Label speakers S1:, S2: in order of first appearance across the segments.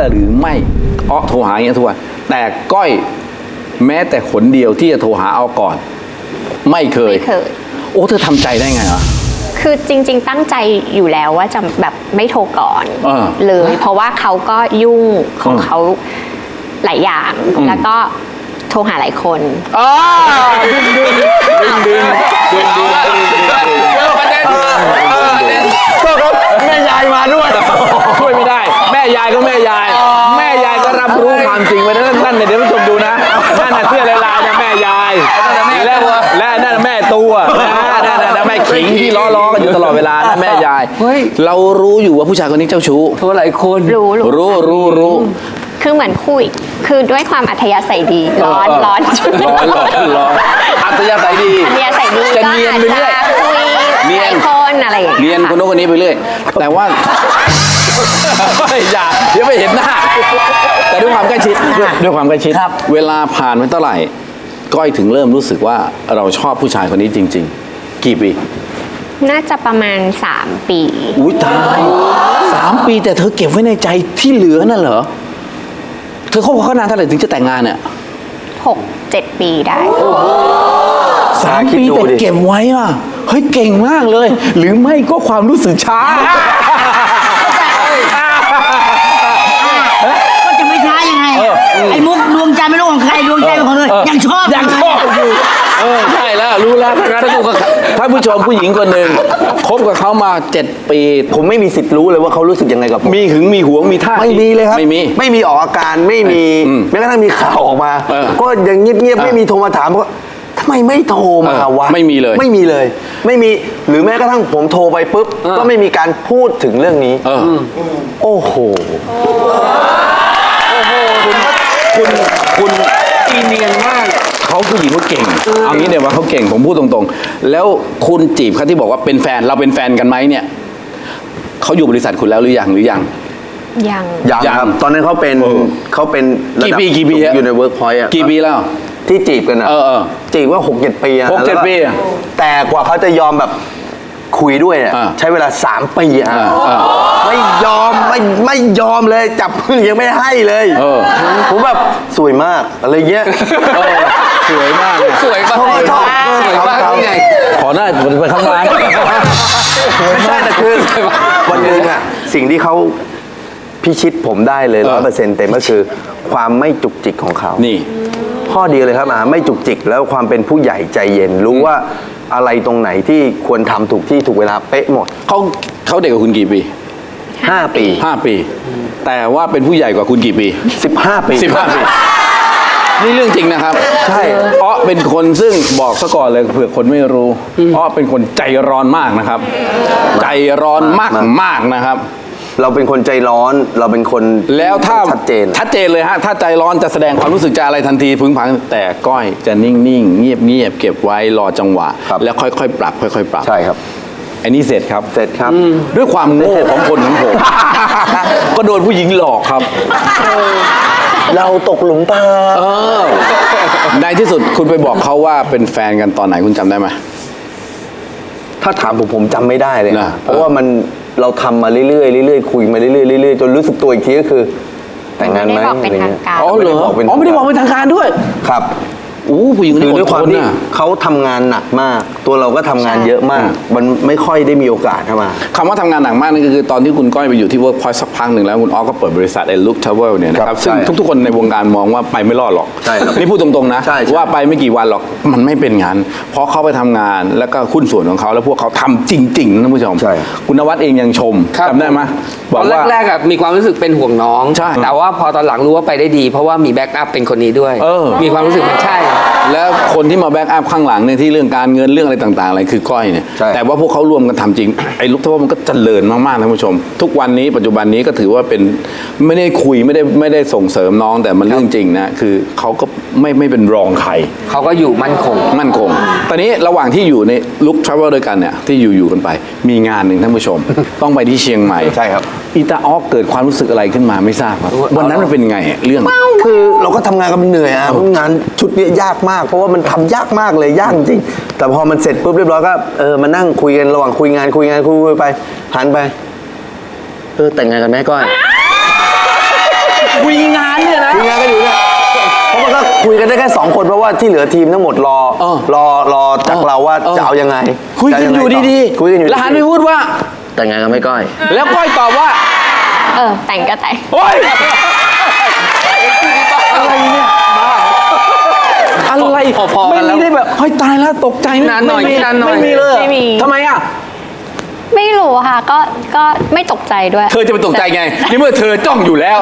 S1: หรือไม่โทรหาอย่างเงี้ยทุกวันแต่ก้อยแม้แต่ขนเดียวที่จะโทรหาก่อนไม่เคยโอ้เธอทำใจได้ไงอ่ะ
S2: คือจริงๆตั้งใจอยู่แล้วว่าจะแบบไม่โทรก่อนเลยเพราะว่าเขาก็ยุ่งของเขาหลายอย่างแล้วก็โทรหาหลายคน
S1: ดึงก็ครับแม่ยายมาด้วยช่วยไม่ได้แม่ยายก็แม่ยายก็รับรู้ความจริงไว้นั่นเดี๋ยวผู้ชมดูนะนั่นน่ะเสื้อลายๆนะแม่ยายและนั่นแม่ตัวนะแม่ขิงที่ล้อกันอยู่ตลอดเวลานะแม่ยายเรารู้อยู่ว่าผู้ชายคนนี้เจ้าชู้
S3: ตัวหลายคน
S2: รู้คือเหมือนคุยคือด้วยความอัธยาศัยดีร้อน
S1: อัธยาศัยดีจะเนียนไปเรื่อย
S2: เนียนคนอะไรอย่างเงี้ย
S1: เนียนคนโน้นคนนี้ไปเรื่อยแต่ว่าอย่าเดี๋ยวไม่เห็นหน้าแต่ด้วยความใกล้ชิดเวลาผ่านไปเท่าไหร่ก้อยถึงเริ่มรู้สึกว่าเราชอบผู้ชายคนนี้จริงๆกี่ปี
S2: น่าจะประมาณ3 ปี
S1: อุ้ยตาย3 ปีแต่เธอเก็บไว้ในใจที่เหลือนั่นเหรอเธอคบกับเขานานเท่าไหร่ถึงจะแต่งงานเนี่ย
S2: 6-7 ปีได้
S1: 3 ปีแต่เก็บไว้อ่ะเฮ้ยเก่งมากเลยหรือไม่ก็ความรู้สึกช้า
S3: ก็จะไม่ช้ายังไงไอ้มุกดวงใจไม่รู้ของใครดวงใจของเธอยังชอบ
S1: อยู่ใช่แล้วรู้แล้วถ้าผู้ชมผู้หญิงคนหนึ่งคบกับเขามา7 ปี
S4: ผมไม่มีสิทธิ์รู้เลยว่าเขารู้สึกยังไงกับผม
S1: มีหึงมีหวงมีท่า
S4: ไม่มีเลยครับ
S1: ไม่
S4: มีออกอาการไม่มีแม้กระทั่งมีข่าวออกมาก็ยังเงียบๆไม่มีโทรมาถามว่าทำไมไม่โทรมาวะ
S1: ไม่มีเลย
S4: ไม่มีหรือแม้กระทั่งผมโทรไปปุ๊บก็ไม่มีการพูดถึงเรื่องนี้โอ้โห
S1: คุณอีเนียนมากเขาผู้หญิงเขาเก่งเอางี้เดี๋ยวว่าเขาเก่งผมพูดตรงๆแล้วคุณจีบเขาที่บอกว่าเป็นแฟนเราเป็นแฟนกันไหมเนี่ยเขาอยู่บริษัทคุณแล้วหรือยัง
S4: ครับตอนนั้นเขาเป็น
S1: กี่ปี
S4: อยู่ในเวิร์กพอยต์
S1: กี่ปีแล้ว
S4: ที่จีบกันอ่ะจีบว่า6-7 ปี
S1: 6-7 ปี
S4: แต่กว่าเขาจะยอมแบบคุยด้วยเนี่ยใช้เวลา3 ปีไม่ยอมเลยจับมือยังไม่ให้เลยผมแบบสวยมากอะไรเงี้ย
S1: สวยมาก
S4: ไง
S1: ขอหน้าไปข้างล่าง
S4: ไม่ใช่แต่คือวันนึงอ่ะสิ่งที่เขาพิชิตผมได้เลย100%เต็มก็คือความไม่จุกจิกของเขา
S1: นี่
S4: ข้อดีเลยครับไม่จุกจิกแล้วความเป็นผู้ใหญ่ใจเย็นรู้ว่าอะไรตรงไหนที่ควรทำถูกที่ถูกเวลาเป๊ะหมด
S1: เขาเด็กกว่าคุณกี่ปี
S4: 5 ปี
S1: แต่ว่าเป็นผู้ใหญ่กว่าคุณกี่ปี
S4: 15 ปี
S1: นี่เรื่องจริงนะครับ
S4: ใช่
S1: เป็นคนซึ่งบอกซะก่อนเลยเผื่อคนไม่รู้เป็นคนใจร้อนมากนะครับใจร้อนมากนะครับ
S4: เราเป็นคนใจร้อนเราเป็นคน
S1: แล้วถ้า
S4: ชัดเจน
S1: เลยฮะถ้าใจร้อนจะแสดงความรู้สึกจะอะไรทันทีพึงพังแต่ก้อยจะนิ่งๆเงียบเก็บไว้รอจังหวะแล้วค่อยๆปรับ
S4: ใช่ครับ
S1: อันนี้เสร็จครับด้วยความโง่ของคนของผมก็โดนผู้หญิงหลอกครับ
S4: เราตกหลุมพราง
S1: ในที่สุดคุณไปบอกเขาว่าเป็นแฟนกันตอนไหนคุณจำได้ไหม
S4: ถ้าถามผมจำไม่ได้เลยนะเพราะว่าเราทำมาเรื่อยๆคุยมาเรื่อยๆจนรู้สึกตัวอีกทีก็คือแต่งงานไหม
S2: ไม่ได้บอกเป็นทางการ
S1: ไม่ได้บอกเป็นทางการด้วย
S4: ครับ
S1: ผู้หญิง
S4: ด้วยความที่เขาทำงานหนักมากตัวเราก็ทำงานเยอะมากมันไม่ค่อยได้มีโอกาสเข้ามา
S1: คำว่าทำงานหนักมากนั่นก็คือตอนที่คุณก้อยไปอยู่ที่ Workpoint สักพักหนึ่งแล้วคุณก็เปิดบริษัทLook Travel เนี่ยนะครับซึ่งทุกๆคนในวงการมองว่าไปไม่รอดหรอกนี่พูดตรงๆนะว่าไปไม่กี่วันหรอกมันไม่เป็นงานเพราะเขาไปทำงานแล้วก็หุ้นส่วนของเขาแล้วพวกเขาทำจริงๆนะผู้ชมคุณนวัดเองยังชมจำได้ไหม
S3: ตอนแรกๆมีความรู้สึกเป็นห่วงน้องแต่ว่าพอตอนหลังรู้ว่าไปได้ดีเพราะว่ามีแบ็กอัพเป็นคนนี้ด้วยมีความรู้สึกมันใช่
S1: แล้วคนที่มาแบ็กอัพข้างหลังเนี่ยที่เรื่องการเงินเรื่องอะไรต่างๆอะไรคือก้อยเนี่ยแต่ว่าพวกเขารวมกันทำจริงไอ้ลูกทัวร์มันก็เจริญมากๆท่านผู้ชมทุกวันนี้ปัจจุบันนี้ก็ถือว่าเป็นไม่ได้คุยไม่ได้ส่งเสริมน้องแต่มันเรื่องจริงนะคือเขาก็ไม่เป็นรองใคร
S3: เขาก็อยู่มั่นคง
S1: ตอนนี้ระหว่างที่อยู่ในลุคทราเวลด้วยกันเนี่ยที่อยู่กันไปมีงานหนึ่งท่านผู้ชมต้องไปที่เชียงใหม่
S4: ใช่ครับ
S1: อีตาออกเกิดความรู้สึกอะไรขึ้นมาไม่ทราบครับวันนั้นมันเป็นไงเรื่อง
S4: คือเราก็ทำงานกันเหนื่อยงานชุดนี้ยากมากเพราะว่ามันทำยากมากเลยยากจริงแต่พอมันเสร็จปุ๊บเรียบร้อยก็มานั่งคุยกันระหว่างคุยไปหันไปแต่งงานกันไหมก้อย
S1: คุยงานเนี่ยนะ
S4: คุยงานกันอยู่เนี่ยเพราะมันก็คุยกันได้แค่2 คนเพราะว่าที่เหลือทีมทั้งหมดรอจากเราว่าจะเอายังไง
S1: คุยกันอยู่ดี
S4: คุยกันอยู่
S1: แล้วหันไปพูดว่า
S4: แต่งงานกันไม่ก้อย
S1: แล้วก้อยตอบว่า
S2: แต่งก็แต่ง
S1: โอ๊ยอะไรเนี่ยอะไร
S3: พอๆกันแล้ว
S1: ไม่ได้แบบเฮ้ยตายแล้วตกใจ
S3: นานหน่อย
S1: ไม่มี
S3: นานหน่อย
S1: ไม่มีเลย
S2: ไม่มี
S1: ทำไมอ่ะ
S2: ไม่รู้ค่ะก็ไม่ตกใจด้วย
S1: เธอจะไปตกใจไงนี่เมื่อเธอจ้องอยู่แล้ว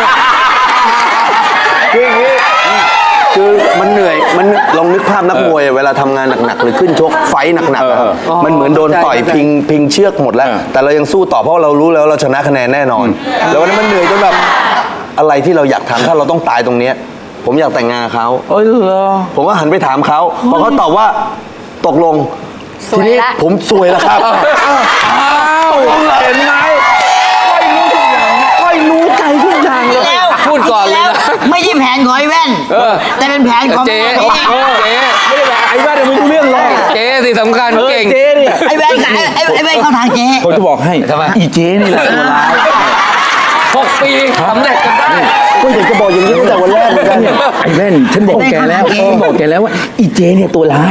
S4: คืออย่างนี้คือมันเหนื่อยมันลองนึกภาพนักมวยเวลาทำงานหนักๆหรือขึ้นชกไฟท์หนักๆอะครับมันเหมือนโดนต่อยพิงเชือกหมดแล้ว แต่เรายังสู้ต่อเพราะเรารู้แล้วเราชนะคะแนนแน่นอน แล้ววันนั้นมันเหนื่อยจนแบบอะไรที่เราอยากทำถ้าเราต้องตายตรงเนี้ยผมอยากแต่งงานกับเขา
S1: เอ้ยเหรอ
S4: ผมก็หันไปถามเขาพอเขาตอบว่าตกลง
S2: สวยละ
S4: ทีนี้ผมซวยแล้วครับ
S1: อ้าวเห็นไหมก้อยรู้ทุกอย่างก้อยรู้ใจทุกอย่างเลย
S5: แล้ว
S3: พูดก่อนเลยนะ
S5: ไม่ใช่แผนของไอ้แว่น แต่เป็นแผนของ
S3: เจ๊
S5: แม่เอง
S3: เจ๊
S1: ไม่ได้แบบไอ้บ้านเนี่ยไม่รู้เรื่องเลย
S3: เจ๊สิสำคัญเก่ง
S1: เจ๊เนี่ย
S5: ไอ้แว่นขายไอ้แว่นเข้าทางเจ๊
S1: ผมจะบอกให้
S3: ทำไม
S1: อีเจ๊นี่แหละตัวร้าย
S3: 6 ปีสำเร็จกันได้
S4: ก็อยากจะบอกอย่างนี้ตั้งแต่วันแรกเหมือนกันเนี่ย
S1: ไอ้แว่นฉันบอกแกแล้วฉันบอกแกแล้วว่าอีเจ๊เนี่ยตัวร้าย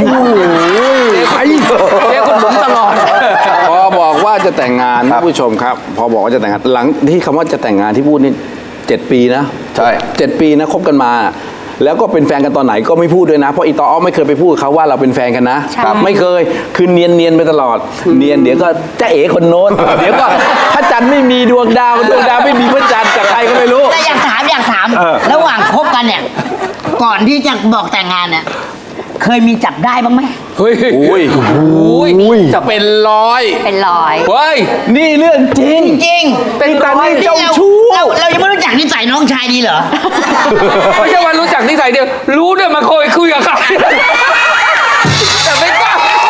S3: เจ๊คุณบุ๋มตลอด
S1: พอบอกว่าจะแต่งงานท่านผู้ชมครับ พอบอกว่าจะแต่งงานหลังที่คำว่าจะแต่งงานที่พูดนี่7 ปีนะ
S4: ใช่
S1: 7 ปีนะคบกันมา แล้วก็เป็นแฟนกันตอนไหนก็ไม่พูดด้วยนะเพราะอีตออไม่เคยไปพูดกับเขาว่าเราเป็นแฟนกันนะ
S2: ใช่
S1: ไม่เคยคือเนียนไปตลอดเนียนเดี๋ยวก็จะเอ๋คนโน้นเดี๋ยวก็พระจันทร์ไม่มีดวงดาวไม่มีพระจันทร์กับใครก็ไม่รู้
S5: แต่อยากถามระหว่างคบกันเนี่ย ก่อนที่จะบอกแต่งงานเนี่ย เคยมีจับได้บ้างไหม
S3: เฮ้ย
S1: อุ้ย
S3: อุ้ย
S1: จะเป็นร้อย
S2: เป็นรอย
S3: เฮ้ย
S1: นี่เรื่องจริง
S5: จริง
S1: เป็นตานี่เจ้าชู้
S5: เรายังไม่รู้จักนิสัยน้องชายดีเหรอ
S3: ไม่ใช่ว่ารู้จักนิสัยเดียว รู้ด้วยมาคุยกับใครแต่ไม่กล้า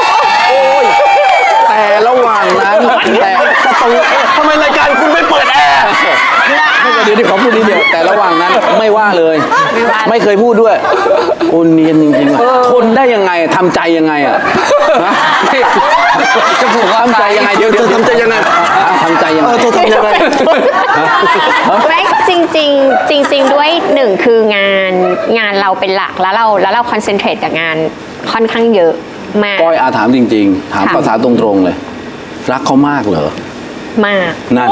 S1: แต่ระหว่างนั้นแต่สตูทำไมรายการคุณไม่เปิดแอร์เดี๋ยวขอพูดนิดเดียวแต่ระหว่างนั้นไม่ว่าเลย ไม่เคยพูดด้วยโอ้เนียนจริงๆทนได้ยังไงทำใจยังไงอ่ะนะ
S3: จะผูกว่า
S1: ทำใจยังไงเดี๋ยว
S4: เธอทำใจยังไง
S1: ทำใจยังไง
S4: เธอทำยังไง
S2: ไม่จริงด้วยหนึ่งคืองานเราเป็นหลักแล้วเราคอนเซนเทรตกับงานค่อนข้างเยอะมาก
S1: ก้อยอาถามจริงๆ ถาม
S2: ค่ะ
S1: ภาษาตรงๆเลย รักเขามากเหรอ
S2: มาก
S1: นั่น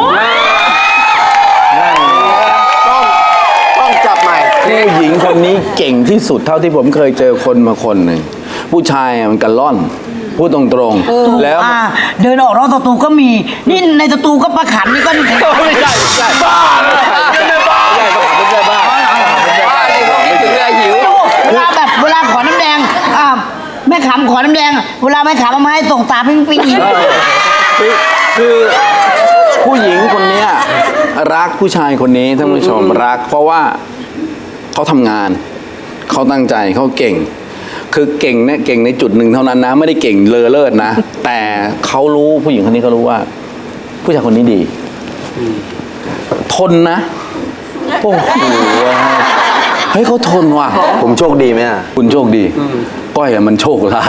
S4: ต้องจับใหม่
S1: ผู้หญิงคนนี้เก่งที่สุดเท่าที่ผมเคยเจอคนมาคนหนึ่งผู้ชายมันกระล่อน พูดตรงๆ แล้ว
S5: เดินออกนอกสตูก็มี นี่ในสตูก็ประขันนี่ก็
S1: ไม่ใช่บ้าเลยไม่บ้าไม่ใช่ไม่ใช่บ้า
S3: บ้าเลยพวกนี้ถึงเลยหิว
S5: เวลาขอน้ำแดงแม่ขำขอน้ำแดง เวลาแม่ขำเอามาให้ส่งตาปิ้งปิ้งอีก
S1: คือผู้หญิงคนเนี้ยรักผู้ชายคนนี้ท่านผู้ชมรัก เพราะว่าเขาทำงาน เขาตั้งใจเขาเก่ง คือเก่งเนี่ยเก่งในจุดหนึ่งเท่านั้นนะ ไม่ได้เก่งเลอเลิศนะ แต่เขารู้ผู้หญิงคนนี้เขารู้ว่า ผู้ชายคนนี้ดี ทนนะโอ้โหเฮ้ยเขาทนว่ะ
S4: ผมโชคดีไหมอ่ะ
S1: คุณโชคดี ก้อยอะมันโชคร้าย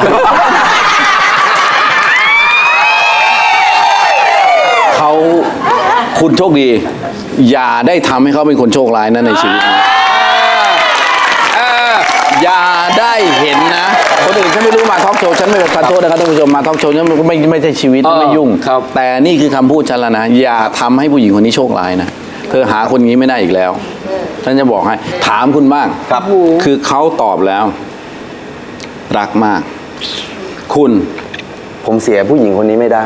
S1: เขาคุณโชคดี อย่าได้ทำให้เขาเป็นคนโชคร้ายนะในชีวิตนะอย่าได้เห็นนะคนอื่นฉันไม่รู้มาทอล์กโชว์ฉันไม่ขอโทษนะครับท่านผู้ชมมาทอล์กโชว์ฉันไม่ใช่ชีวิตไม่ยุ่ง
S3: ครับ
S1: แต่นี่คือคำพูดฉันแล้วนะ อย่าทำให้ผู้หญิงคนนี้โชคร้ายนะเธอหาคนนี้ไม่ได้อีกแล้วฉันจะบอกให้ถามคุณบ้าง
S4: ครับ
S1: คือเขาตอบแล้ว รักมาก คุณ
S4: ผมเสียผู้หญิงคนนี้ไม่ได้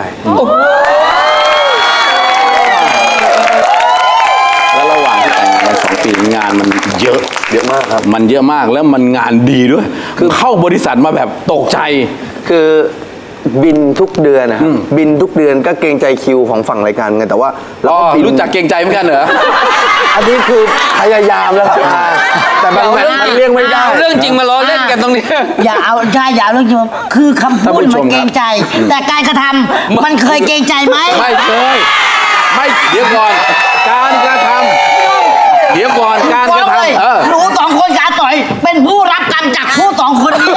S1: แล้วระหว่างที่แต่งงานกัน2 ปีงานมันเยอะ
S4: เยอะมากครับ
S1: มันเยอะมากแล้วมันงานดีด้วย คือเข้าบริษัทมาแบบตกใจ
S4: คือบินทุกเดือนนะครับบินทุกเดือนก็เกรงใจคิวของฝั่งรายการไงแต่ว่าเราก็บิน
S1: รู้จักเกรงใจเหมือนกันเหรอ
S4: อันนี้คือพยายามแล้วครับแต่บางแมตช์มันเลี่ยงไม่ได้
S3: เอาเรื่องจริงมาล้อเล่นกันตรงนี้
S5: อย่าเอาเรื่องจริงคือคำพูด
S1: ท่านผู้ช
S5: มั
S1: ม
S5: นเกรงใจ แต่การกระทำมันเคยเกรงใจไหม
S1: ไม่เคยไม่เดี๋ยวก่อน การกระทำเดี๋ยวก่อนการกระทำ
S5: หนูสองคนกับอาต่อย เป็นผู้รับกรรมจากผู้สองคนนี้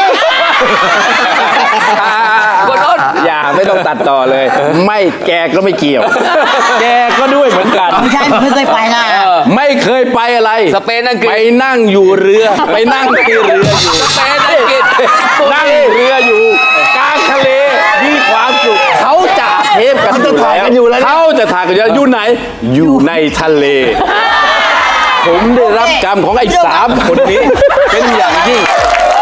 S3: คนอ้น
S1: อย่าไม่ต้องตัดต่อเลย ไม่แกก็ไม่เกี่ยว แกก็ด้วยเหมือนกัน
S5: ไม่ใช่ผมไม่เคยไปนะ
S1: ไม่เคยไปอะไร
S3: สเปนอังกฤษ
S1: ไปนั่งอยู่เรือ ไปนั่งที่เรืออยู่
S3: สเปนอังกฤษ
S1: นั่งเรืออยู่กลางทะเลมีความสุขเขาจะเทปกันอยู่แล้วเขาจะถ่ายกันอยู่ไหน อยู่ในทะเล ผมได้รับกรรมของไอ้3 คนนี้ เป็นอย่างยิ่ง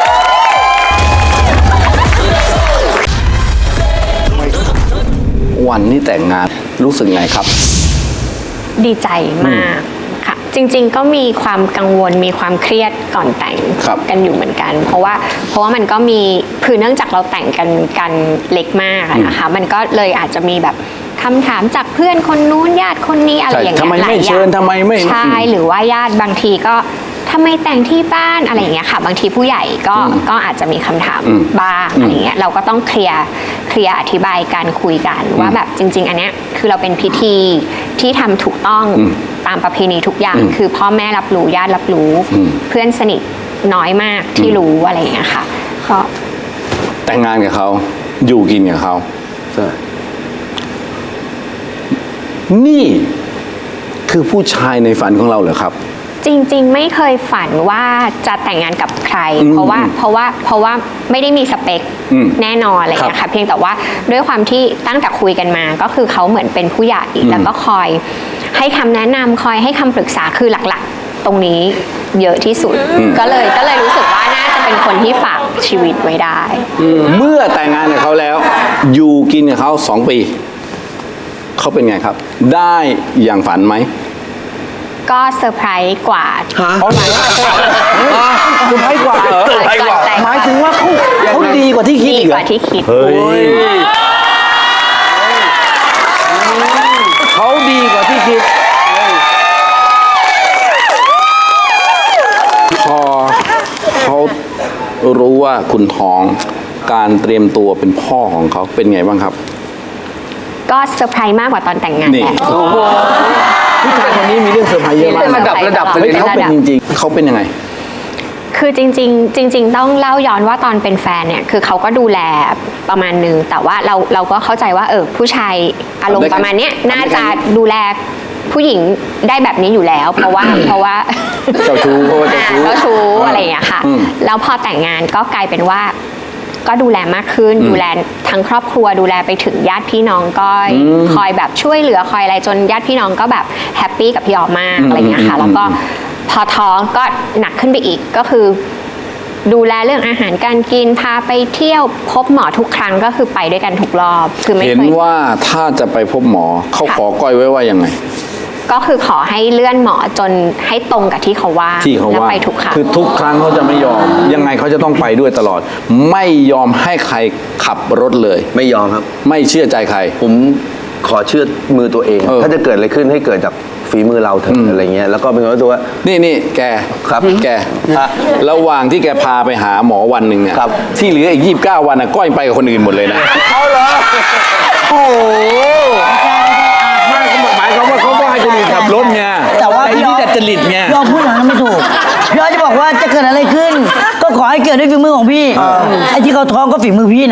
S1: วันนี้แต่งงานรู้สึกไงครับ
S2: ดีใจมากค่ะ จริงๆก็มีความกังวลมีความเครียดก่อนแต่ง
S1: ครับ
S2: กันอยู่เหมือนกัน เพราะว่ามันก็มีคือเนื่องจากเราแต่งกันเล็กมากอะนะคะ มันก็เลยอาจจะมีแบบคำถามจากเพื่อนคนนู้นญาติคนนี้อะไรอย่างเงี้ย
S1: ทำไมไม่เชิญทำไมไม่
S2: ใช่หรือว่าญาติบางทีก็ทำไมแต่งที่บ้านอะไรอย่างเงี้ยค่ะ บางทีผู้ใหญ่ก็อาจจะมีคำถามบ้างอะไรเงี้ยเราก็ต้องเคลียร์อธิบายกันคุยกันว่าแบบจริง ๆ อันเนี้ยคือเราเป็นพิธีที่ทำถูกต้องตามประเพณีทุกอย่าง คือพ่อแม่รับรู้ญาติรับรู้ เพื่อนสนิทน้อยมากที่รู้อะไรอย่างเงี้ยค่ะก็
S1: แต่งงานกับเขาอยู่กินกับเขานี่คือผู้ชายในฝันของเราเหรอครับ
S2: จริงๆไม่เคยฝันว่าจะแต่งงานกับใคร เพราะว่าไม่ได้มีสเปคแน่นอนอะไรอย่างเงี้ยค่ะเพียงแต่ว่าด้วยความที่ตั้งแต่คุยกันมาก็คือเขาเหมือนเป็นผู้ใหญ่แล้วก็คอยให้คำแนะนำคอยให้คำปรึกษาคือหลักๆ ตรงนี้เยอะที่สุดก็เลยรู้สึกว่าน่าจะเป็นคนที่ฝากชีวิตไว้ได้
S1: เมื่อแต่งงานกับเขาแล้ว อยู่กินกับเขา2 ปีเขาเป็นไงครับ ได้อย่างฝันไหม
S2: ก็เซอร์ไพรส์กว่า
S1: เขาไหนคุณให้กว่าเหรอ หมายถึงว่าเขาดีกว่าที่คิด
S2: ดี
S1: อีก
S2: ก
S1: เหรอ
S2: ว่าที่คิด
S1: เฮ้ยเขาดีกว่าที่คิด พอเขารู้ว่าคุณท้องการเตรียมตัวเป็นพ่อของเขาเป็นไงบ้างครับ
S2: ก็เซอร์ไพรส์มากกว่าตอนแต่งงาน
S1: นี่
S2: แหละ
S1: ผู้ชายคนนี้มีเรื่องเซอร์ไพรส์เยอะมาก
S3: ระดับไปเลย
S1: เฮ้ยเขาเป็นจริงๆเขาเป็นยังไง
S2: คือจริง ๆ ต้องเล่าย้อนว่าตอนเป็นแฟนเนี่ยคือเขาก็ดูแลประมาณนึงแต่ว่าเราก็เข้าใจว่าผู้ชายอารมณ์ประมาณเนี้ยน่าจะดูแลผู้หญิงได้แบบนี้อยู่แล้ว เพราะว่า
S1: เจ้าชู้เพราะว่าเจ้าชู้
S2: เจ้าชู้อะไรอย่างเงี้ยค่ะแล้วพอแต่งงานก็กลายเป็นว่าก็ดูแลมากขึ้นดูแลทั้งครอบครัวดูแลไปถึงญาติพี่น้องก็คอยแบบช่วยเหลือคอยอะไรจนญาติพี่น้องก็แบบแฮปปี้กับพี่ออมมากอะไรอย่างเงี้ยค่ะแล้วก็พอท้องก็หนักขึ้นไปอีกก็คือดูแลเรื่องอาหารการกินพาไปเที่ยวพบหมอทุกครั้งก็คือไปด้วยกันทุกรอบคือไม่
S1: เห็น
S2: เคย
S1: ว่าถ้าจะไปพบหมอเขา
S2: ค่ะ
S1: ขอก้อยไว้ว่ายังไง
S2: ก็คือขอให้เลื่อนหมอจนให้ตรงกับที่เขาว่า
S1: ที่เขา
S2: แล้ว
S1: ว่า
S2: ไปทุกครั้ง
S1: คือทุกครั้งเขาจะไม่ยอม ยังไงเขาจะต้องไปด้วยตลอด ไม่ยอมให้ใครขับรถเลย
S4: ไม่ยอมครับ
S1: ไม่เชื่อใจใคร
S4: ผมขอเชื่อมือตัวเอง ถ้าจะเกิดอะไรขึ้นให้เกิดจากฝีมือเราเถอะอะไรเงี้ยแล้วก็เป็นคนตัวว่า
S1: นี่แก
S4: ครับ
S1: แก
S4: ฮะ
S1: ระหว่างที่แกพาไปหาหมอวันหนึ่งเนี่ย
S4: ครับ
S1: ที่เหลืออีก29 วันนะก้อยไปกับคนอื่นหมดเลยนะ
S4: เอาเหรอโอ้โห
S1: ไม่เขาหมายความว่าเขาก็ให้คนอื่นขับรถไง
S5: แต่ว่า
S1: ไอ้
S5: พี่
S1: นี่
S5: ออ
S1: จะจริตไง
S5: พี่ออพูดอย่างนั้นไม่ถูกพี่ออจะบอกว่าจะเกิดอะไรขึ้น ก็ขอให้เกิดด้วยฝีมือของพี่ไอ้ที่เขาท้องก็ฝีมือพี่นะ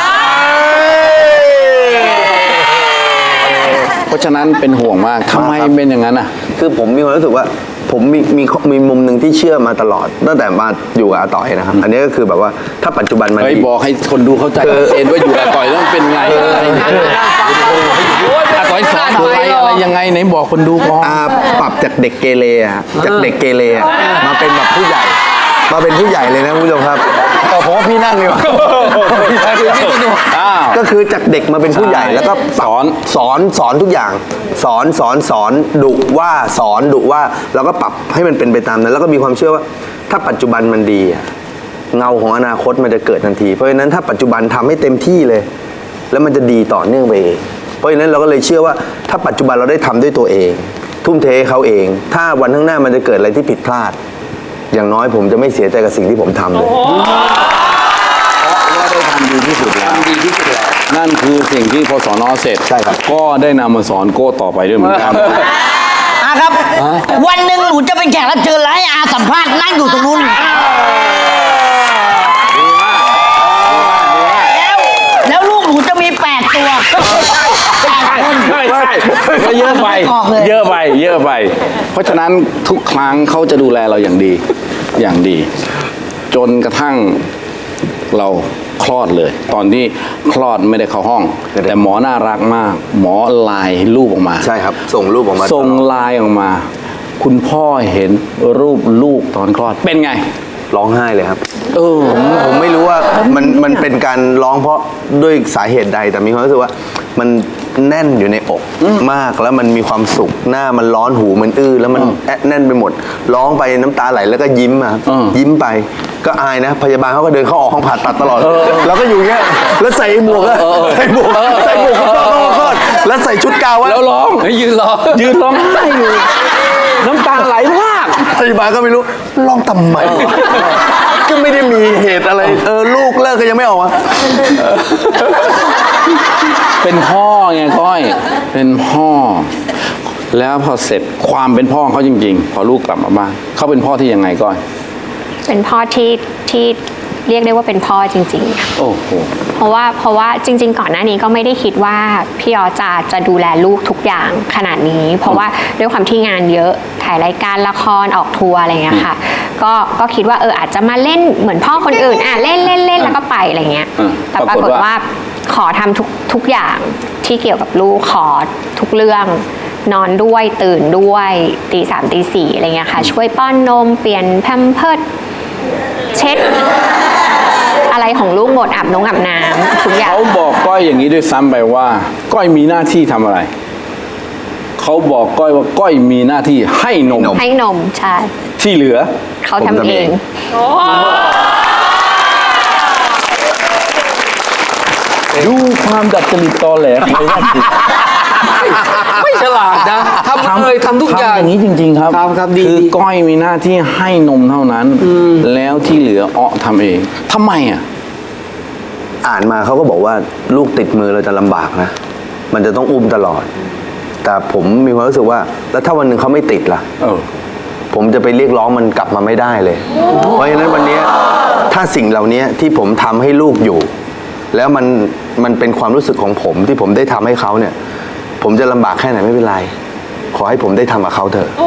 S1: เพราะฉะนั้นเป็นห่วงมากทำไมเป็นอย่างนั้นอ่ะ
S4: คือผมมีความรู้สึกว่าผมมีมุมหนึ่งที่เชื่อมาตลอดตั้งแต่มาอยู่กับอาต่อยนะครับ อันนี้ก็คือแบบว่าถ้าปัจจุบันมัน
S1: เฮ้ย
S4: ดี
S1: บอกให้คนดูเข้าใจชัดเจนว่าอยู่กับต่อยแล้วมันเป็นไงอะไรอย่างเงี้ยต่อยสอนอะไรยังไงไหนบอกคนดูก่อน
S4: ปรับจากเด็กเกเรอะจากเด็กเกเรอะมาเป็นแบบผู้ใหญ่ มาเป็นผู้ใหญ่เลยนะคุณผู้ชมครับผมว่าพี่นั่งดีกว่า
S1: อ้าว
S4: ก็คือจากเด็กมาเป็นผู้ใหญ่แล้วก็ปรับสอนทุกอย่างสอนดุว่าสอนดุว่าแล้วก็ปรับให้มันเป็นไปตามนั้น แล้วก็มีความเชื่อว่าถ้าปัจจุบันมันดีอะเงาของอนาคตมันจะเกิดทันทีเพราะฉะนั้นถ้าปัจจุบันทำให้เต็มที่เลย แล้วมันจะดีต่อเนื่องไปเองเพราะฉะนั้นเราก็เลยเชื่อว่าถ้าปัจจุบันเราได้ทำด้วยตัวเอง ทุ่มเทให้เขาเอง ถ้าวันข้างหน้ามันจะเกิดอะไรที่ผิดพลาด อย่างน้อยผมจะไม่เสียใจกับสิ่งที่ผมทำเลย
S1: ว่าได้ทำดีที่สุดแล้ว
S3: ดีที่สุดแล้ว
S1: นั่นคือสิ่งที่พอสอนอเสร็จ
S4: ใช่ครับ
S1: ก็ได้นำมาสอนโก้ต่อไปด้วยเหมือนกัน
S5: อาครับ วันหนึ่งหนูจะเป็นแขกรับเชิญแล้วให้อาสัมภาษณ์นั่งอยู่ตรงนู้นแล้วลูกหนูจะมี8 ตัว8 คน
S1: ใช่ก็เยอะไป
S5: ออกเลย
S1: เยอะไปเยอะไป เพราะฉะนั้นทุกครั้งเขาจะดูแลเราอย่างดีอย่างดี จนกระทั่งเราคลอดเลย ตอนที่คลอดไม่ได้เข้าห้อง แต่หมอน่ารักมาก หมอไลน์รูปออกมา
S4: ใช่ครับ ส่งรูปออกมา
S1: ส่งไลน์ออกมา คุณพ่อเห็นรูปลูกตอนคลอดเป็นไง
S4: ร้องไห้เลยครับ
S1: เออ
S4: ผมไม่รู้ว่ามันเป็นการร้องเพราะด้วยสาเหตุใด แต่มีความรู้สึกว่ามันแน่นอยู่ในอกมากแล้วมันมีความสุขหน้ามันร้อนหูมันอื้อแล้วมันแน่นไปหมด ร้องไปน้ำตาไหลแล้วก็ยิ้มมาครับยิ้มไปก็อายนะ พยาบาลเขาก็เดินเข้าออกห้องผ่าตัดตลอดแล้วก็อยู่เงี้ยแล้วใส่หมวกอะใส่หมวกคลอดแล้วใส่ชุดกาวะ
S1: แล้วร้อง
S3: ยืนรอ
S1: ยืนร้องไห้อยู่น้ำตาไหลพราก
S4: พยาบาลก็ไม่รู้ร้องทำไมก็ไม่ได้มีเหตุอะไรลูกเลิกก็ยังไม่ออกมา
S1: เป็นพ่อไงก้อย เป็นพ่อ แล้วพอเสร็จความเป็นพ่อเขาจริงๆ พอลูกกลับมาบ้านเขาเป็นพ่อที่ยังไงก้อย
S2: เป็นพ่อที่เรียกได้ว่าเป็นพ่อจริงๆค่ะ
S1: โอ้โห
S2: เพราะว่าจริง ๆ ก่อนหน้านี้ก็ไม่ได้คิดว่าพี่ออจะดูแลลูกทุกอย่างขนาดนี้ เพราะว่าด้วยความที่งานเยอะถ่ายรายการละครออกทัวร์อะไรเงี้ยค่ะ ก็คิดว่าอาจจะมาเล่นเหมือนพ่อคนอื่นเล่นแล้วก็ไปอะไรเงี้ย แต่ปรากฏว่าขอทำทุกอย่างที่เกี่ยวกับลูกขอทุกเรื่องนอนด้วยตื่นด้วยตี 3 ตี 4อะไรเงี้ยค่ะช่วยป้อนนมเปลี่ยนแพมเพิร์สเช็ดอะไรของลูกหมดอาบน้ำทุกอย่าง
S1: เขาบอกก้อยอย่างนี้ด้วยซ้ำไปว่า ก้อยมีหน้าที่ทำอะไร เขาบอกก้อยว่าก้อยมีหน้าที่ให้นม
S2: ให้นมใช่
S1: ที่เหลือ
S2: เขาทำเอง
S1: ดูความดัดจริตตอแหลของไอ้นั่นสิ
S3: ไม่ฉลาดนะทำเลยทำทุกอย่าง
S1: ทำอย่างนี้จริง ๆ ครับ
S3: ครับดี
S1: คือก้อยมีหน้าที่ให้นมเท่านั้น แล้วที่เหลือทำเองทำไมอ่ะ
S4: อ่านมาเขาก็บอกว่าลูกติดมือเราจะลำบากนะ มันจะต้องอุ้มตลอด แต่ผมมีความรู้สึกว่า แล้วถ้าวันหนึ่งเขาไม่ติดล่ะ ผมจะไปเรียกร้องมันกลับมาไม่ได้เลย เพราะฉะนั้นวันนี้ถ้าสิ่งเหล่านี้ที่ผมทำให้ลูกอยู่ แล้วมันเป็นความรู้สึกของผมที่ผมได้ทำให้เขาเนี่ย ผมจะลำบากแค่ไหนไม่เป็นไร ขอให้ผมได้ทำกับเขาเถอะ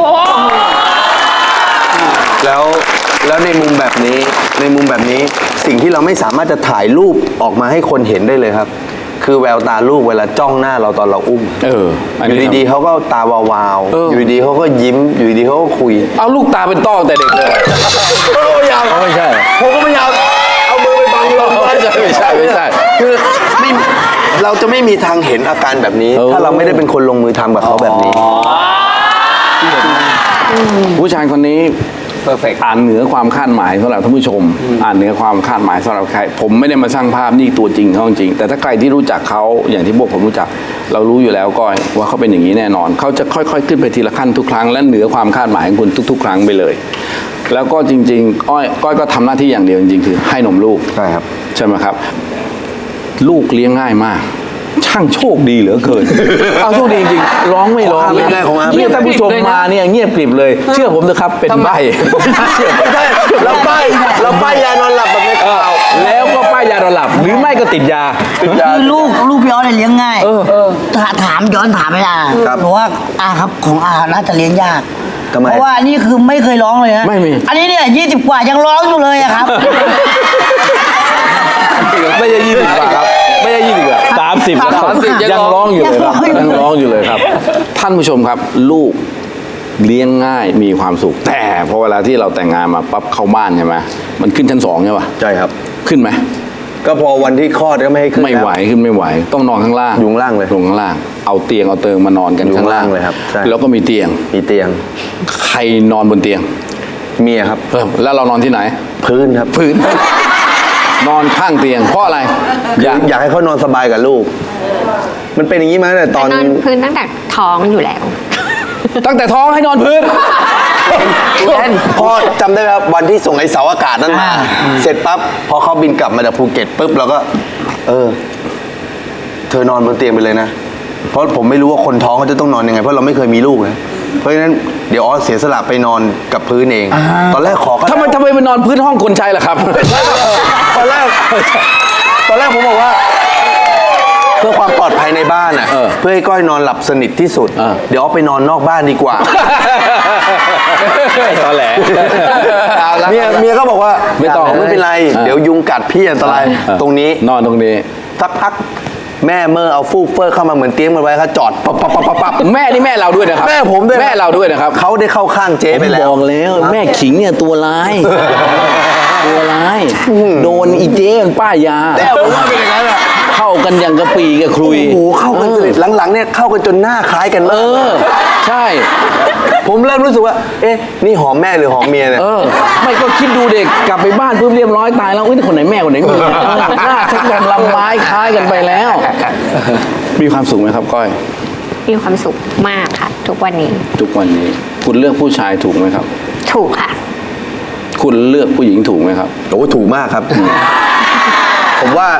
S4: แล้วในมุมแบบนี้สิ่งที่เราไม่สามารถจะถ่ายรูปออกมาให้คนเห็นได้เลยครับ คือแววตาลูกเวลาจ้องหน้าเราตอนเราอุ้ม อยู่ดีๆเขาก็ตาวาวๆอยู่ดีๆเขาก็ยิ้มอยู่ดีๆเขาก็คุย
S1: เอาลูกตาเป็นต้อตั้งแต่เด็กเลย
S4: ไม่ยาว
S1: ไม่ใช่
S4: ผมก็ไม่ยาวเอามือไปบังลม
S1: ไม่ใช่
S4: คือไม่เราจะไม่มีทางเห็นอาการแบบนี้ ถ้าเราไม่ได้เป็นคนลงมือทำกับเขาแบบนี้
S1: ผู้ชายคนนี้
S3: perfect
S1: อ่านเหนือความคาดหมายสำหรับท่านผู้ชม อ่านเหนือความคาดหมายสำหรับใครผมไม่ได้มาสร้างภาพนี่ตัวจริงเขาจริงแต่ถ้าใครที่รู้จักเขาอย่างที่พวกผมรู้จัก เรารู้อยู่แล้วก้อยว่าเขาเป็นอย่างนี้แน่นอนเขาจะค่อยๆขึ้นไปทีละขั้นทุกครั้งและเหนือความคาดหมายของคุณทุกๆ ครั้งไปเลย แล้วก็จริงๆก้อยก็ทำหน้าที่อย่างเดียวจริงๆคือให้นมลูก
S4: ใช่ครับ
S1: ใช่ไหมครับ ลูกเลี้ยงง่ายมาก ช่างโชคดีเหลือเกิน เอาโชคดีจริงๆร้องไม่ร้อง
S4: ไม่ได้ของอา
S1: เนี่ยท่านผู้ชมมาเนี่ยเงียบกริบเลย เชื่อผมเถอะครับเป็นใบ
S4: ไม่ใช่เราป้ายยานอนหลับแบบในข่าว
S1: แล้วก็ป้ายยานอนหลับหรือไม่ก็ติดยา
S5: คือลูกพี่ออสเนี่ยเลี้ยงง่ายถามย้อนถามไปบอกว่าครับของน่าจะเลี้ยงยาก
S4: ทำไม
S5: เพราะว่านี่คือไม่เคยร้องเลยนะ
S1: ไม่มี
S5: อันนี้เนี่ย20 กว่ายังร้องอยู่เลยอะครับ
S1: ไม่ใช่20 กว่าครับ ไม่ใช่20 กว่า30แล้วครับ
S3: 30
S1: ยังร้องอยู่เลยครับ
S5: ยังร้องอยู่
S1: ยังร้องอยู่เลยครับ ท่านผู้ชมครับ ลูกเลี้ยงง่ายมีความสุข แต่พอเวลาที่เราแต่งงานมาปั๊บเข้าบ้านใช่ไหมมันขึ้นชั้น2ใช่ป่ะ
S4: ใช่ครับ
S1: ขึ้นไหม
S4: ก็พอวันที่คลอดก็ไม่ให้ขึ้น
S1: ไม่ไหวขึ้นไม่ไหว ต้องนอนข้างล่าง
S4: อยู่ข้างล่างเลย
S1: ลงข้างล่าง เอาเตียงเอาเติงมานอนกัน
S4: อยู่
S1: ข้างล่าง
S4: ข้างล่างเลยครับใช่
S1: แล้วก็มีเตียง
S4: มีเตียง
S1: ใครนอนบนเตียง
S4: เมียครับ
S1: แล้วเรานอนที่ไหน
S4: พื้นครับ
S1: พื้น นอนข้างเตียงเพราะอะไร
S4: อยากให้เขานอนสบายกับลูก มันเป็นอย่างนี้มาตั้งแต่ตอน
S2: นอนพื้นตั้งแต่ท้องอยู่แล้ว
S1: ตั้งแต่ท้องให้นอนพื้น
S4: พ่อจำได้ไหมครับวันที่ส่งไอ้เสาอากาศนั้นมา เสร็จปั๊บพอเขาบินกลับมาจากภูเก็ตปุ๊บเราก็ เธอนอนบนเตียงไปเลยนะ เพราะผมไม่รู้ว่าคนท้องเขาจะต้องนอนยังไงเพราะเราไม่เคยมีลูกนะเพราะฉะนั้นเดี๋ยวออสเสียสละไปนอนกับพื้นเอง ตอนแรกขอก็
S1: ทำไมไปนอนพื้นห้องคนใช้ล่ะครับ
S4: ตอนแรกผมบอกว่าเพื่อความปลอดภัยในบ้านอ่ะเพื่อให้ก้อยนอนหลับสนิทที่สุด เดี๋ยวเอาไปนอนนอกบ้านดีกว่า
S1: ตอแหล
S4: เมียก็บอกว่า
S1: ไม่ต้อง
S4: ไม่เป็นไร เดี๋ยวยุงกัดพี่อันตรายตรงนี้
S1: นอนตรงนี้
S4: สักพักแม่เมื่อเอาฟูกเฟอร์เข้ามาเหมือนเตรียมกันไว้ครับจอดปั๊บ
S1: แม่นี่แม่เราด้วยนะครับ
S4: แม่ผมด้วย
S1: แม่เราด้วยนะครับ
S4: เขาได้เข้าข้างเจ๊ไปแล้ว
S1: บอกแล้วแม่ขิงเนี่ยตัวร้าย ตัวร้าย โดนอีเจ๊มันป้ายา
S4: แต่ผมว่าเป็นอย่างนั้นอะ
S1: เข้ากันอย่างกระปีกับครุย
S4: โอ้โหเข้ากันสนิทหลังๆเนี่ยเข้ากันจนหน้าคล้ายกันมาก
S1: ใช่
S4: ผมเริ่มรู้สึกว่า เอ๊ะ นี่หอมแม่หรือหอมเมียเนี่ย
S1: ไม่ก็คิดดูเด็กกลับไปบ้านปุ๊บเรียบร้อยตายแล้วอุ้ยคนไหนแม่คนไหนเมียหน้าชักกันลำไม้คล้ายกันไปแล้ว มีความสุขไหมครับก้อย
S2: มีความสุขมากค่ะ ทุกวันนี้
S1: ทุกวันนี้ คุณเลือกผู้ชายถูกไหมครับ
S2: ถูกค่ะ
S1: คุณเลือกผู้หญิงถูกไหมครับ
S4: โอ้ถูกมากครับ ผมว่า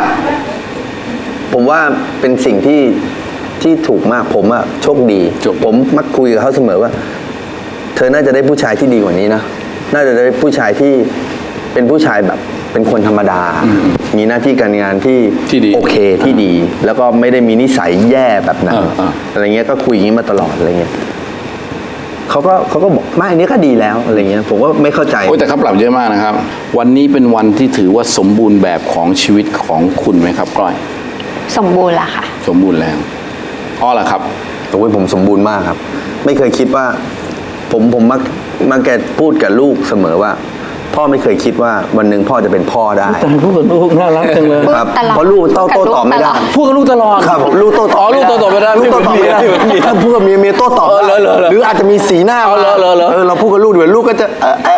S4: เป็นสิ่งที่ถูกมากผมอะโชคดี ผมมักคุยกับเขาเสมอว่า เธอน่าจะได้ผู้ชายที่ดีกว่านี้นะน่าจะได้ผู้ชายที่เป็นผู้ชายแบบเป็นคนธรรมดา มีหน้าที่การงานที่
S1: ที่ดี
S4: โอเคที่ดี แล้วก็ไม่ได้มีนิสัยแย่แบบนั้นอะไรเงี้ยก็คุยอย่างนี้มาตลอดอะไรเงี้ยเขาก็บอกไม่อันนี้ก็ดีแล้วอะไรเงี้ยผมก็ไม่เข้าใจ
S1: โอ้ยแต่เขาปรับเยอะมากนะครับ วันนี้เป็นวันที่ถือว่าสมบูรณ์แบบของชีวิตของคุณไหมครับก้อย
S2: สมบูรณ์ละค่ะ
S1: สมบูรณ์แล้วอ้อล่ะครับ
S4: โอ้ยผมสมบูรณ์มากครับ ไม่เคยคิดว่า ผมมักแกพูดกับลูกเสมอว่า พ่อไม่เคยคิดว่าวันหนึ่งพ่อจะเป็นพ่อได้
S1: พูดกับลูกน่ารักจังเลย
S4: ครับ
S2: ตลอด
S4: เพราะลูกโต้ตอบไม่ได้
S1: พูดกับลูกตลอด
S4: ครับผมลูกโต้ตอบ
S1: ลูกโต้ตอบไม่ได้
S4: ลูกโต้ตอบไม่ได้
S1: ไม่เหมือนเมีย
S4: ถ้าพูดกับเมียโต้ตอบได้
S1: เหรอ
S4: หรืออาจจะมีสีหน้า
S1: เหรอ
S4: เราพูดกับลูกเดี๋ยวลูกก็จะ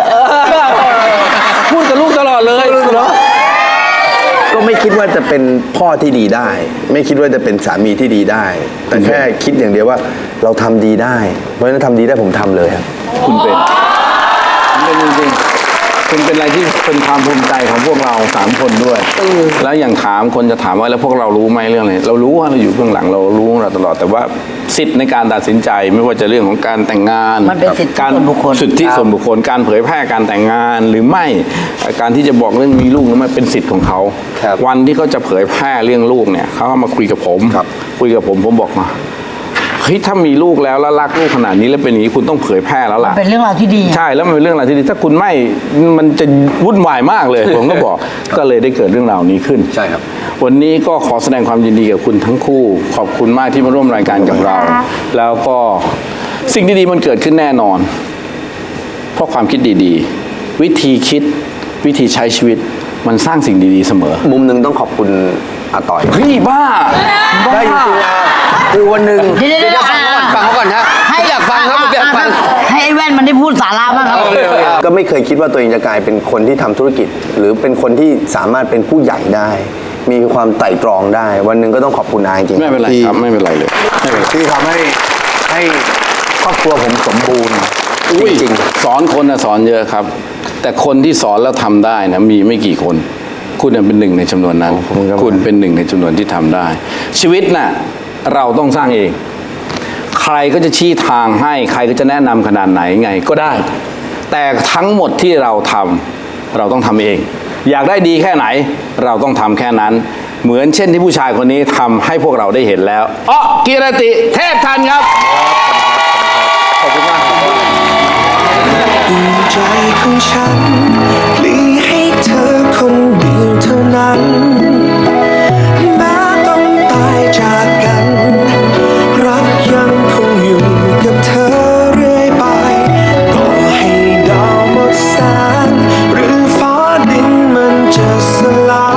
S1: พูดกับลูกตลอดเลยเหรอ
S4: ก็ไม่คิดว่าจะเป็นพ่อที่ดีได้ ไม่คิดว่าจะเป็นสามีที่ดีได้ แต่แค่คิดอย่างเดียวว่าเราทำดีได้ เพราะฉะนั้นทำดีได้ผมทำเลยครับ
S1: คุณเป็นจริงๆคุณเป็นอะไรที่เป็นความภูมิใจของพวกเรา3 คนด้วย แล้วอย่างถามคนจะถามว่าแล้วพวกเรารู้ไหมเรื่องอะไรเรารู้ว่าเราอยู่เบื้องหลังเรารู้ของเราตลอดแต่ว่าสิทธิ์ในการตัดสินใจไม่ว่าจะเรื่องของการแต่งงาน
S5: มันเป็นสิทธิ
S1: การ
S5: ส่วนบุคคล
S1: สิทธิส่วนบุคคลการเผยแพร่การแต่งงานหรือไม่การที่จะบอกเรื่องมีลูกนั้นมันเป็นสิทธิ์ของเขา
S4: ครับ
S1: วันที่เขาจะเผยแพร่เรื่องลูกเนี่ยเขาก็มาคุยกับผม
S4: ครับ
S1: คุยกับผมบอกมาเฮ้ยถ้ามีลูกแล้วรักลูกขนาดนี้แล้วเป็นอย่างนี้คุณต้องเผยแพร่แล้วล่ะ
S5: เป็นเรื่องราวที่ดี
S1: ใช่แล้วมันเป็นเรื่องราวที่ดีถ้าคุณไม่มันจะวุ่นวายมากเลย ผมก็บอกก็เลยได้เกิดเรื่องราวนี้ขึ้น
S4: ใช่ครับ
S1: วันนี้ก็ขอแสดงความยินดีกับคุณทั้งคู่ ขอบคุณมากที่มาร่วมรายการกับเรา แล้วก็สิ่งดีๆมันเกิดขึ้นแน่นอน เพราะความคิดดีๆ วิธีคิดวิธีใช้ชีวิตมันสร้างสิ่งดีๆเสมอ
S4: มุมหนึ่งต้องขอบคุณอาต่อย
S1: เฮ้ยบ้า
S4: ได้จริงๆนะคือวันหนึ่ง
S5: เดี๋ยว
S3: ฟังเขาก่อนฮะอยากฟังครับผมอยากฟัง
S5: ให้ไอ้แว่นมันได้พูดสาระบ้างครับ
S4: ก็ไม่เคยคิดว่าตัวเองจะกลายเป็นคนที่ทำธุรกิจ หรือเป็นคนที่สามารถเป็นผู้ใหญ่ได้ มีความไต่ตรองได้ วันหนึ่งก็ต้องขอบคุณอาจริงๆ
S1: ไม่เป็นไร
S4: ที่
S1: ครับไม่เป็นไรเลยไม่เป็นไร
S4: ที่ทำให้ครอบครัวผมสมบูรณ์
S1: อุ้ย
S4: จริง
S1: สอนคนนะสอนเยอะครับ แต่คนที่สอนแล้วทำได้นะมีไม่กี่คน คุณเป็นหนึ่งในจำนวนนั้น คุณเป็นหนึ่งในจำนวนที่ทำได้ ชีวิตน่ะเราต้องสร้างเอง ใครก็จะชี้ทางให้ใครก็จะแนะนำขนาดไหนไงก็ได้ แต่ทั้งหมดที่เราทำเราต้องทำเอง อยากได้ดีแค่ไหน เราต้องทำแค่นั้น เหมือนเช่นที่ผู้ชายคนนี้ทำให้พวกเราได้เห็นแล้วอ้อกิรติเทพทันครับขอบคุณมากครับ
S6: ดวงใจของฉันพลีให้เธอคนเดียวเท่านั้น แม้ต้องตายจากกัน รักยังคงอยู่กับเธอเรื่อยไปต่อให้ดาวหมดแสงหรือฟ้าดินมันจะสลาย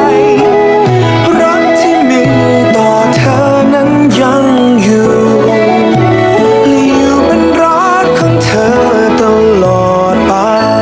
S6: รักที่มีต่อเธอนั้นยังอยู่และอยู่เป็นรักของเธอตลอดไป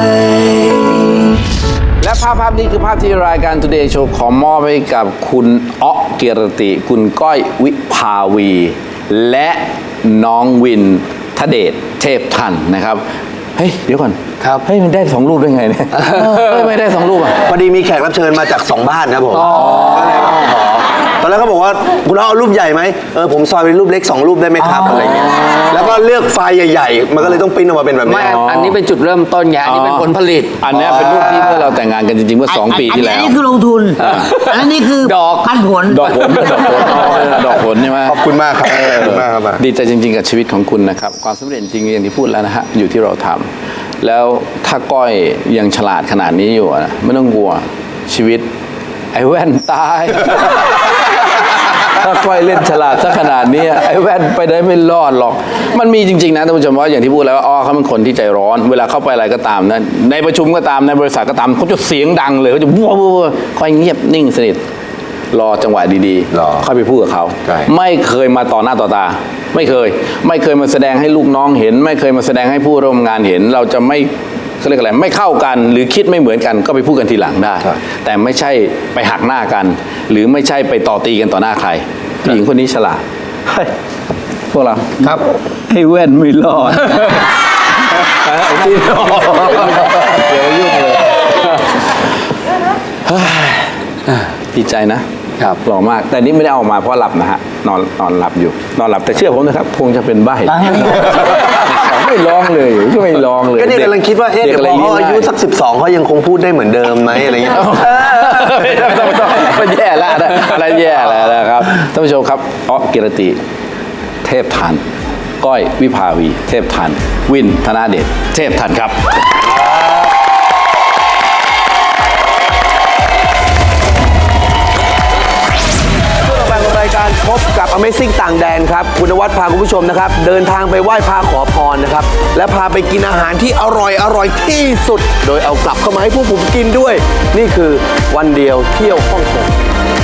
S1: และภาพนี้คือภาพที่รายการ Today Show ขอมอบให้กับคุณอ๊อเกียรติ คุณก้อยวิภาวี และน้องวินทเดชเทพทันนะครับ เฮ้ย เดี๋ยวก่อน
S3: ครับ
S1: เฮ้ย มันได้2 รูปได้ไงเนี่ยเฮ้ยไม่ได้2 รูปอ่ะ
S4: พอดีมีแขกรับเชิญมาจาก2 บ้านครับผมก็เลยว่าขอตอนแรกเขาบอกว่าคุณเอารูปใหญ่ไหมผมซอยเป็นรูปเล็ก2รูปได้ไหมครับอะไรเงี้ยแล้วก็เลือกไฟล์ใหญ่ๆมันก็เลยต้องปริ้นออกมาเป็นแบบ
S3: ไม่
S4: นี้
S3: อันนี้เป็นจุดเริ่มต้นไงอันนี้เป็นผลผลิต
S1: อันเนี้ยเป็นรูปที่เมื่อเราแต่งงานกันจริงๆเมื่อ2 ปีที่แล้ว
S5: อันนี้คือลงทุนอันนี้คือ
S3: ดอก
S5: พันผล
S1: ดอกผลดอกผลใช่ไหม
S4: ขอบคุณมากครับขอบคุณมากครับ
S1: ดีใจจริงๆกับชีวิตของคุณนะครับความสำเร็จจริงอย่างที่พูดแล้วนะฮะอยู่ที่เราทำแล้วถ้าก้อยยังฉลาดขนาดนี้อยู่นะไม่ต้องกลัวชีวิตไอ้แว่นตาย ถ้าก้อยเล่นฉลาดซะขนาดนี้ไอ้แว่นไปได้ไม่รอดหรอกมันมีจริงๆนะท่านผู้ชมว่าอย่างที่พูดแล้วว่าเขาเป็นคนที่ใจร้อนเวลาเข้าไปอะไรก็ตามนะในประชุมก็ตามในบริษัทก็ตามเขาจะเสียงดังเลยเขาจะวัวค่อยเงียบนิ่งสนิทรอจังหวะดีๆค่อยไปพูดกับเขาไม่เคยมาต่อหน้าต่อตาไม่เคยมาแสดงให้ลูกน้องเห็นไม่เคยมาแสดงให้ผู้ร่วมงานเห็นเราจะไม่เขาเรียกอะไรไม่เข้ากันหรือคิดไม่เหมือนกันก็ไปพูดกันทีหลังได้แต่ไม่ใช่ไปหักหน้ากัน หรือไม่ใช่ไปต่อตีกันต่อหน้าใครผู้หญิงคนนี้ฉลาดเฮ้ยพวกเราครับให้แว่นไม่รอดที่เดี๋ยวยุ่งเลยดีใจนะครับหล่อมากแต่นี่ไม่ได้เอามาเพราะหลับนะฮะนอนหลับอยู่นอนหลับแต่เชื่อผมนะครับคงจะเป็นใบ้ไม่ร้องเลยไม่ร้องเลย
S4: ก็เนี่ยกำลังคิดว่าเดี๋ยวพอเขาอายุสัก12เขายังคงพูดได้เหมือนเดิมไหมอะไรเงี้ย
S1: ไม่ต้องมันแย่แล้วนะอะไรแย่แล้วนะครับท่านผู้ชมครับกิรติเทพทันก้อยวิภาวีเทพทันวินธนาเดชเทพทันครับรายการพบกับ Amazing ต่างแดนครับคุณนวัดพาคุณผู้ชมนะครับเดินทางไปไหว้พระขอพรนะครับและพาไปกินอาหารที่อร่อยที่สุดโดยเอากลับเข้ามาให้พวกผมกินด้วยนี่คือวันเดียวเที่ยวฮ่องกง